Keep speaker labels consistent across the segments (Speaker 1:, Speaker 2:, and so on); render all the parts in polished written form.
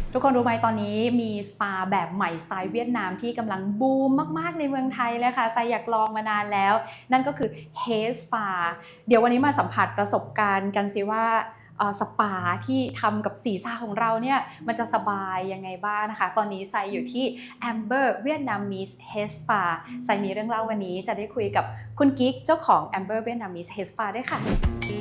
Speaker 1: ทุกคนรู้ไหมตอนนี้มีสปาแบบใหม่สไตล์เวียดนามที่กำลังบูมมากๆในเมืองไทยเลยค่ะไซอยากลองมานานแล้วนั่นก็คือ Hair Spa เดี๋ยววันนี้มาสัมผัสประสบการณ์กันสิว่าสปาที่ทำกับศีรษะของเราเนี่ยมันจะสบายยังไงบ้างนะคะตอนนี้ไซอยู่ที่ Amber Vietnamese Hair Spa ไซมีเรื่องเล่าวันนี้จะได้คุยกับคุณกิ๊กเจ้าของ Amber Vietnamese Hair Spa ด้วยค่ะ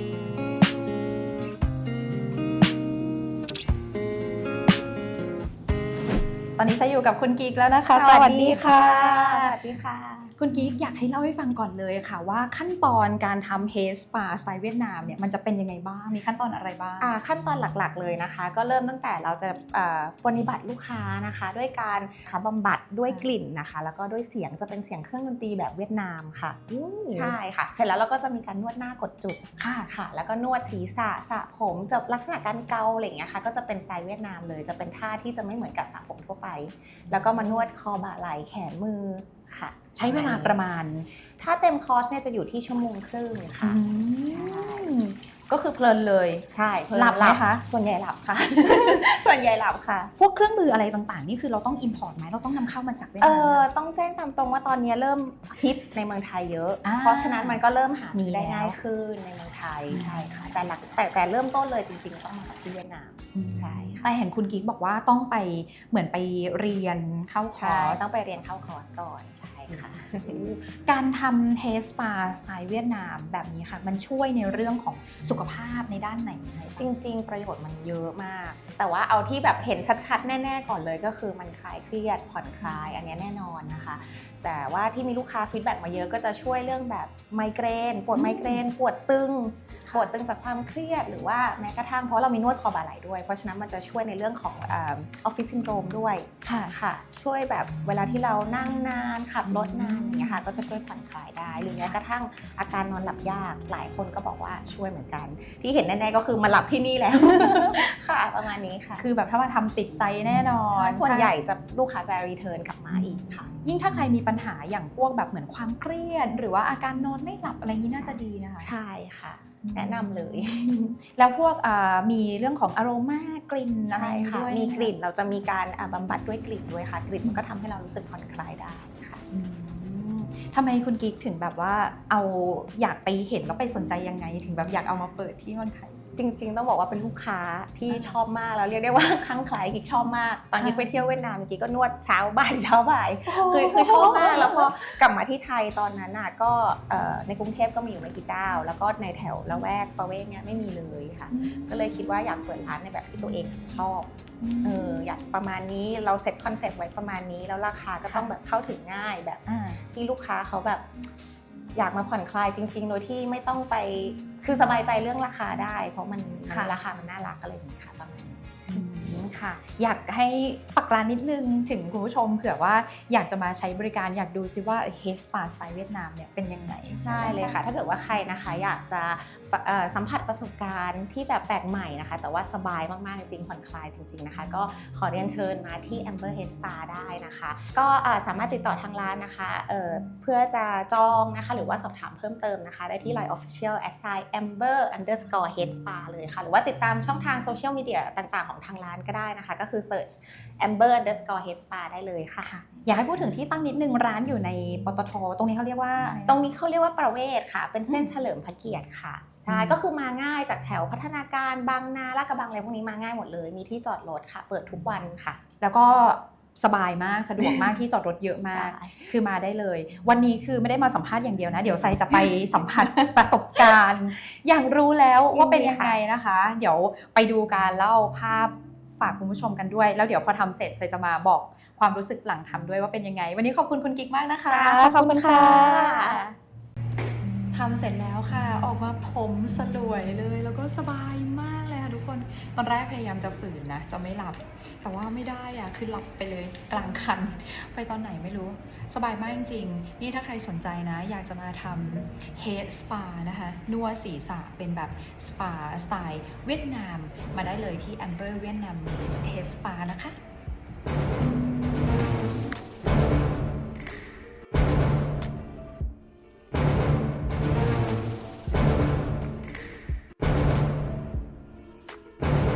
Speaker 1: ตอนนี้ไซอยู่กับคุณกิ๊กแล้วนะคะ
Speaker 2: สวัสดีค่ะสวัสดีค่ะ
Speaker 1: คุณกิ๊กอยากให้เล่าให้ฟังก่อนเลยค่ะว่าขั้นตอนการทำ Hair Spa สไตล์เวียดนามเนี่ยมันจะเป็นยังไงบ้างมีขั้นตอนอะไรบ้าง
Speaker 2: ขั้นตอนหลักๆเลยนะคะก็เริ่มตั้งแต่เราจะปฏิบัติลูกค้านะคะด้วยการบำบัดด้วยกลิ่นนะคะแล้วก็ด้วยเสียงจะเป็นเสียงเครื่องดนตรีแบบเวียดนามค่ะใช่ค่ะเสร็จแล้วเราก็จะมีการนวดหน้ากดจุดค่ะแล้วก็นวดศีรษะสระผมจะลักษณะการเกาอะไรอย่างเงี้ยค่ะก็จะเป็นสไตล์เวียดนามเลยจะเป็นท่าที่จะไม่เหมือนกับสระผมทั่วไปแล้วก็มานวดคอบ่าไหล่แขนมือค่ะ
Speaker 1: ใช้เวลาประมาณ
Speaker 2: ถ้าเต็มคอร์สเนี่ยจะอยู่ที่1 ชั่วโมงค่ะ
Speaker 1: ก็คือเพลินเลย
Speaker 2: ใช่
Speaker 1: หลับไหมคะ
Speaker 2: ส่วนใหญ่หลับค่ะ ส่วนใหญ่หลับค่ะ
Speaker 1: พวกเครื่องมืออะไรต่างๆนี่คือเราต้องอิมพอร์ตไหมเราต้องนำเข้ามาจากเวียดนาม
Speaker 2: ต้องแจ้งตามตรงว่าตอนนี้เริ่มฮิตในเมืองไทยเยอะเพราะฉะนั้นมันก็เริ่มหาได้ง่ายขึ้นในเมืองไทยใช่ค่ะแต่เริ่มต้นเลยจริงๆต้องมาจากที่เวียดนามใช่
Speaker 1: แต่เห็นคุณกิ๊กบอกว่าต้องไปเหมือนไปเรียนเข้าคอร์ส
Speaker 2: ต้องไปเรียนเข้าคอร์สก่อนใช่ค่ะ
Speaker 1: การทำ Hair Spa สไตล์เวียดนามแบบนี้ค่ะมันช่วยในเรื่องของสุขภาพในด้านไหน
Speaker 2: จริงๆประโยชน์มันเยอะมากแต่ว่าเอาที่แบบเห็นชัดๆแน่ๆก่อนเลยก็คือมันคลายเครียดผ่อนคลายอันนี้แน่นอนนะคะแต่ว่าที่มีลูกค้าฟีดแบ็กมาเยอะก็จะช่วยเรื่องแบบไมเกรนปวดไมเกรนปวดตึงจากความเครียดหรือว่าแม้กระทั่งเพราะเรามีนวดคอบ่าไหล่ด้วยเพราะฉะนั้นมันจะช่วยในเรื่องของออฟฟิศซินโดรมด้วยค่ะช่วยแบบเวลาที่เรานั่งนานขับรถนานอย่างเงี้ยค่ะก็จะช่วยผ่อนคลายได้หรือแม้กระทั่งอาการนอนหลับยากหลายคนก็บอกว่าช่วยเหมือนกันที่เห็นแน่ๆก็คือมาหลับที่นี่แล้ว ค่ะประมาณนี้ค่ะ
Speaker 1: คือแบบถ้ามาทำติดใจแน่นอน
Speaker 2: ส่วนใหญ่จะลูกค้าจะรีเทิร์นกลับมาอีกค่ะ
Speaker 1: ยิ่งถ้าใครมีปัญหาอย่างพวกแบบเหมือนความเครียดหรือว่าอาการนอนไม่หลับอะไรนี้น่าจะดีนะคะ
Speaker 2: ใช่ค่ะแนะนำเลย
Speaker 1: แล้วพวกมีเรื่องของอโรมากลิ่นอะไรด้วย
Speaker 2: มีกลิ่นเราจะมีการบำบัดด้วยกลิ่นด้วยค่ะกลิ่นมันก็ทำให้เรารู้สึกผ่อนคลายได้ค่ะ
Speaker 1: ทำไมคุณกิ๊กถึงแบบว่าอยากไปเห็นแล้วไปสนใจยังไงถึงแบบอยากเอามาเปิดที่เมืองไทย
Speaker 2: จริงๆต้องบอกว่าเป็นลูกค้าที่ชอบมากแล้วเรียกได้ว่าคลั่งไคล้กิ๊กชอบมากตอนกิ๊กไปเที่ยวเวียดนามกิ๊กก็นวดเช้าบ่ายคือชอบมากแล้วพอกลับมาที่ไทยตอนนั้นก็ในกรุงเทพก็มีอยู่ไม่กี่เจ้าแล้วก็ในแถวละแวกประเวศเนี่ยไม่มีเลยค่ะก็เลยคิดว่าอยากเปิดร้านในแบบที่ตัวเองชอบอยากประมาณนี้เราเซ็ตคอนเซ็ปต์ไว้ประมาณนี้แล้วราคาก็ต้องแบบเข้าถึงง่ายแบบที่ลูกค้าเขาแบบอยากมาผ่อนคลายจริงๆโดยที่ไม่ต้องไปคือสบายใจเรื่องราคาได้เพราะมันราคามันน่ารักอะไรอย่างนี้ค่ะประมาณนี้
Speaker 1: ค่ะอยากให้ฝากร้านนิดนึงถึงคุณผู้ชมเผื่อว่าอยากจะมาใช้บริการอยากดูซิว่า Hair Spa สไตล์เวียดนามเนี่ยเป็นยังไง
Speaker 2: ใช่เลยค่ะถ้าเกิดว่าใครนะคะอยากจะสัมผัสประสบการณ์ที่แบบแปลกใหม่นะคะแต่ว่าสบายมากๆจริงๆผ่อนคลายจริงๆนะคะก็ขอเรียนเชิญมาที่ Amber Hair Spa ได้นะคะก็สามารถติดต่อทางร้านนะคะเพื่อจะจองนะคะหรือว่าสอบถามเพิ่มเติมนะคะได้ที่ Line Official @amber_headspa เลยค่ะหรือว่าติดตามช่องทางโซเชียลมีเดียต่างๆของทางร้านก็ได้นะคะก็คือ search amber_headspa ได้เลยค่ะ
Speaker 1: อยากให้พูดถึงที่ตั้งนิดนึงร้านอยู่ในปตท.ตรงนี้เขาเรียกว่า
Speaker 2: ประเวศค่ะเป็นเส้นเฉลิมพระเกียรติค่ะใช่ก็คือมาง่ายจากแถวพัฒนาการบางนาลาดกระบังอะไรพวกนี้มาง่ายหมดเลยมีที่จอดรถค่ะเปิดทุกวันค่ะ
Speaker 1: แล้วก็สบายมากสะดวกมากที่จอดรถเยอะมากคือมาได้เลยวันนี้คือไม่ได้มาสัมภาษณ์อย่างเดียวนะเดี๋ยวไซจะไปสัมผัสประสบการณ์อย่างรู้แล้วว่าเป็นยังไงนะคะเดี๋ยวไปดูการเล่าภาพฝากคุณผู้ชมกันด้วยแล้วเดี๋ยวพอทำเสร็จไซจะมาบอกความรู้สึกหลังทำด้วยว่าเป็นยังไงวันนี้ขอบคุณคุณกิ๊กมากนะคะ
Speaker 2: ขอบคุณค่ะ
Speaker 1: ทำเสร็จแล้วค่ะออกมาผมสลวยเลยแล้วก็สบายมากเลยค่ะทุกคนตอนแรกพยายามจะฝืนนะจะไม่หลับแต่ว่าไม่ได้อะคือหลับไปเลยกลางคันไปตอนไหนไม่รู้สบายมากจริงๆนี่ถ้าใครสนใจนะอยากจะมาทำ Hair Spa นะคะนวดศีรษะเป็นแบบสปาสไตล์เวียดนามมาได้เลยที่ Amber Vietnamese Hair Spa นะคะ